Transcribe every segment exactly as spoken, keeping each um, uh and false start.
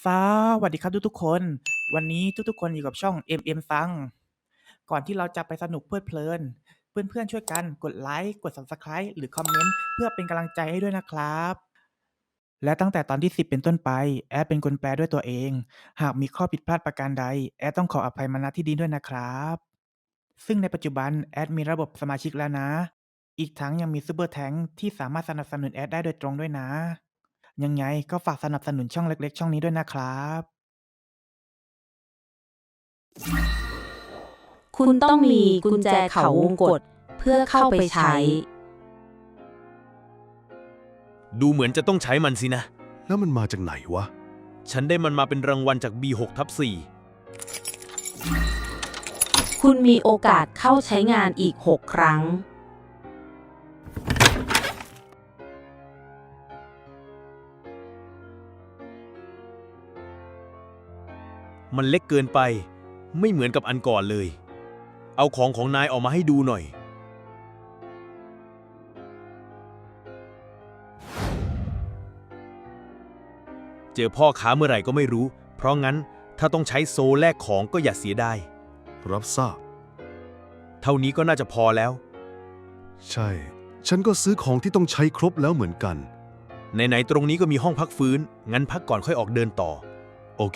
สวัสดีครับทุกๆคน วันนี้ทุกๆคนอยู่กับช่อง เอ็ม เอ็ม ซัง ก่อนที่เราจะไปสนุกเพลิดเพลิน เพื่อนๆช่วยกันกดไลค์ กด ซับสไครบ์ หรือคอมเมนต์เพื่อเป็นกำลังใจให้ด้วยนะครับ และตั้งแต่ตอนที่ สิบ เป็นต้นไป แอดเป็นคนแปลด้วยตัวเอง หากมีข้อผิดพลาดประการใด แอดต้องขออภัยมาณที่นี้ด้วยนะครับ ซึ่งในปัจจุบันแอดมีระบบสมาชิกแล้วนะ อีกทั้งยังมีซูเปอร์แทงค์ที่สามารถสนับสนุนแอดได้โดยตรงด้วยนะ ยังไงก็ฝากสนับสนุนช่องเล็กๆช่องนี้ด้วยนะครับคุณต้องมีกุญแจเขาวงกตเพื่อเข้าไปใช้ดูเหมือนจะต้องใช้มันสินะแล้วมันมาจากไหนวะฉันได้มันมาเป็นรางวัลจาก บี หก ทับ สี่คุณมีโอกาสเข้าใช้งานอีก หก ครั้งมันเล็กเกินไป ไม่เหมือนกับอันก่อนเลย เอาของของนายออกมาให้ดูหน่อย เจอพ่อค้าเมื่อไหร่ก็ไม่รู้ เพราะงั้นถ้าต้องใช้โซแลกของก็อย่าเสียดายรับทราบเท่านี้ก็น่าจะพอแล้วใช่ ฉันก็ซื้อของที่ต้องใช้ครบแล้วเหมือนกันไหนๆตรงนี้ก็มีห้องพักฟื้น งั้นพักก่อนค่อยออกเดินต่อโอเค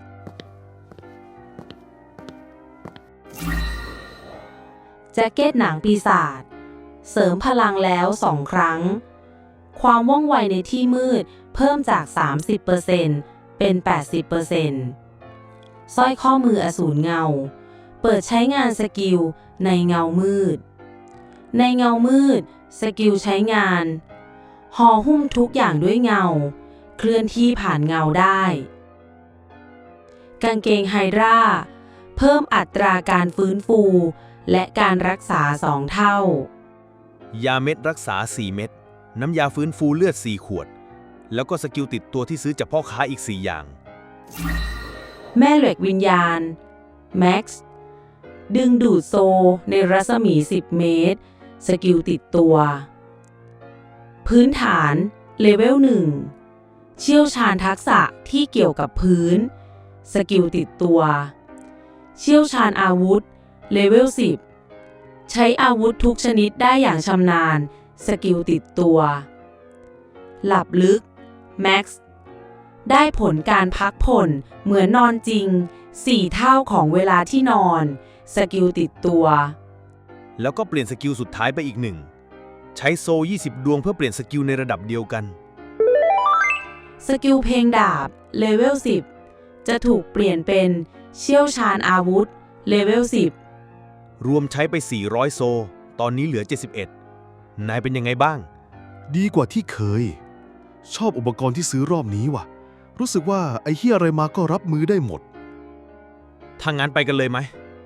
แจ็คเก็ตหนังปีศาจเสริมพลังแล้วสองครั้ง ความว่องไวในที่มืดเพิ่มจาก สามสิบเปอร์เซ็นต์ เป็น แปดสิบเปอร์เซ็นต์ สร้อยข้อมืออสูรเงา เปิดใช้งานสกิลในเงามืด ในเงามืดสกิลใช้งานห่อหุ้มทุกอย่างด้วยเงา เคลื่อนที่ผ่านเงาได้ กางเกงไฮดราเพิ่มอัตราการฟื้นฟูและการรักษาสองเท่ายาเม็ดรักษา สี่ เม็ด น้ำยาฟื้นฟูเลือด สี่ ขวด แล้วก็สกิลติดตัวที่ซื้อจากพ่อค้าอีก สี่ อย่างแม่เหล็กวิญญาณ แม็กซ์ ดึงดูดโซในรัศมี สิบ เมตร สกิลติดตัว พื้นฐาน เลเวล หนึ่ง เชี่ยวชาญทักษะที่เกี่ยวกับพื้น สกิลติดตัว เชี่ยวชาญอาวุธ เลเวล สิบ ใช้อาวุธทุกชนิดได้อย่างชำนาญ สกิลติดตัว หลับลึก แม็กซ์ ได้ผลการพักผ่อนเหมือนนอนจริง สี่ เท่าของเวลาที่นอน สกิลติดตัวแล้วก็เปลี่ยนสกิลสุดท้ายไปอีกหนึ่ง ใช้โซ ยี่สิบ ดวงเพื่อเปลี่ยนสกิลในระดับเดียวกันสกิลเพลงดาบ เลเวล สิบ จะถูกเปลี่ยนเป็นเชี่ยวชาญอาวุธ เลเวล สิบรวมใช้ไป สี่ร้อย โซ ตอนนี้เหลือ เจ็ดสิบเอ็ด นายเป็นยังไงบ้างดีกว่าที่เคย ชอบอุปกรณ์ที่ซื้อรอบนี้ว่ะ รู้สึกว่าไอ้เหี้ยอะไรมาก็รับมือได้หมดถ้างั้นไปกันเลยไหม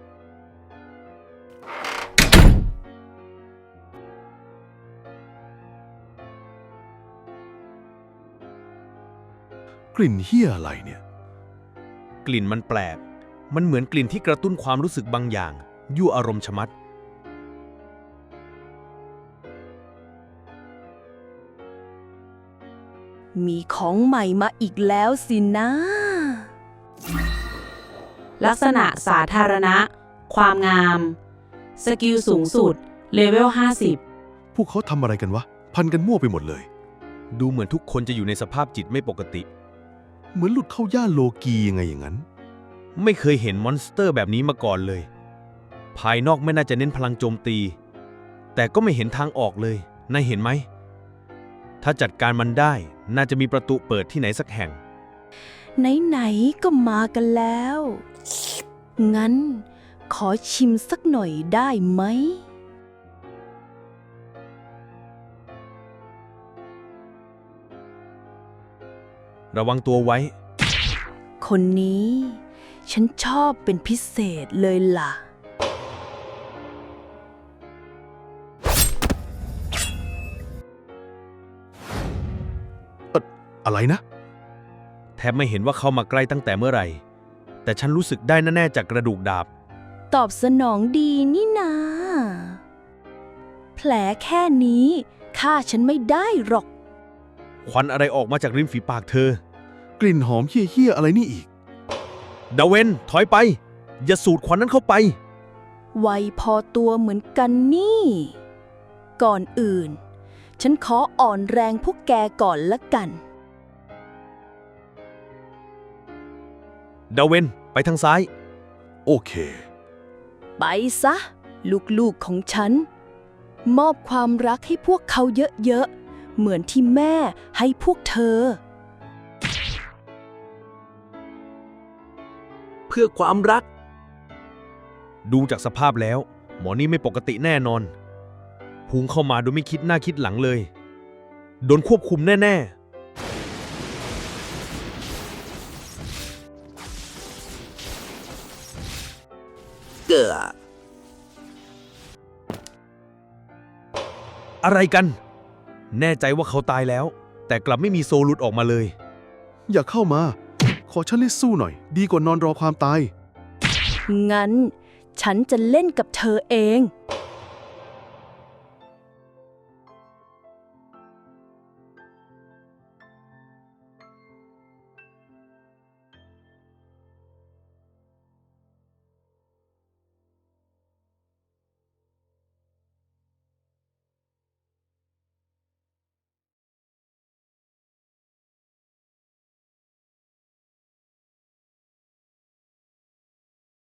กลิ่นเหี้ยอะไรเนี่ยกลิ่นมันแปลก มันเหมือนกลิ่นที่กระตุ้นความรู้สึกบางอย่าง ยั่วอารมณ์ชะมัดมีของใหม่มาอีกแล้วสินะลักษณะสาธารณะ ความงาม สกิลสูงสุด เลเวล ห้าสิบพวกเขาทำอะไรกันวะ พันกันมั่วไปหมดเลยดูเหมือนทุกคนจะอยู่ในสภาพจิตไม่ปกติเหมือนหลุดเข้าย่านโลกียังไงอย่างนั้นไม่เคยเห็นมอนสเตอร์แบบนี้มาก่อนเลย ภายนอกไม่น่าจะเน้นพลังโจมตี แต่ก็ไม่เห็นทางออกเลย นายเห็นไหม ถ้าจัดการมันได้ น่าจะมีประตูเปิดที่ไหนสักแห่งไหนๆก็มากันแล้ว งั้นขอชิมสักหน่อยได้ไหมระวังตัวไว้คนนี้ฉันชอบเป็นพิเศษเลยล่ะอะไรนะแทบไม่เห็นว่าเข้ามาใกล้ตั้งแต่เมื่อไหร่ แต่ฉันรู้สึกได้แน่ๆจากกระดูกดาบตอบสนองดีนี่นา แผลแค่นี้ฆ่าฉันไม่ได้หรอกควันอะไรออกมาจากริมฝีปากเธอกกลิ่นหอมเฮี้ยๆอะไรนี่อีกดาเวนถอยไป อย่าสูดควันนั้นเข้าไปไวพอตัวเหมือนกันนี่ ก่อนอื่น ฉันขออ่อนแรงพวกแกก่อนละกันดาเวนไปทางซ้ายโอเคไปซะ ลูกๆของฉัน มอบความรักให้พวกเขาเยอะๆ เหมือนที่แม่ให้พวกเธอเพื่อความรักดูจากสภาพแล้ว หมอนี่ไม่ปกติแน่นอนพุ่งเข้ามาโดยไม่คิดหน้าคิดหลังเลย โดนควบคุมแน่ๆเกืออะไรกัน แน่ใจว่าเขาตายแล้ว แต่กลับไม่มีโซลุดออกมาเลยอย่าเข้ามา ขอฉันเล่นสู้หน่อย ดีกว่านอนรอความตายงั้น ฉันจะเล่นกับเธอเอง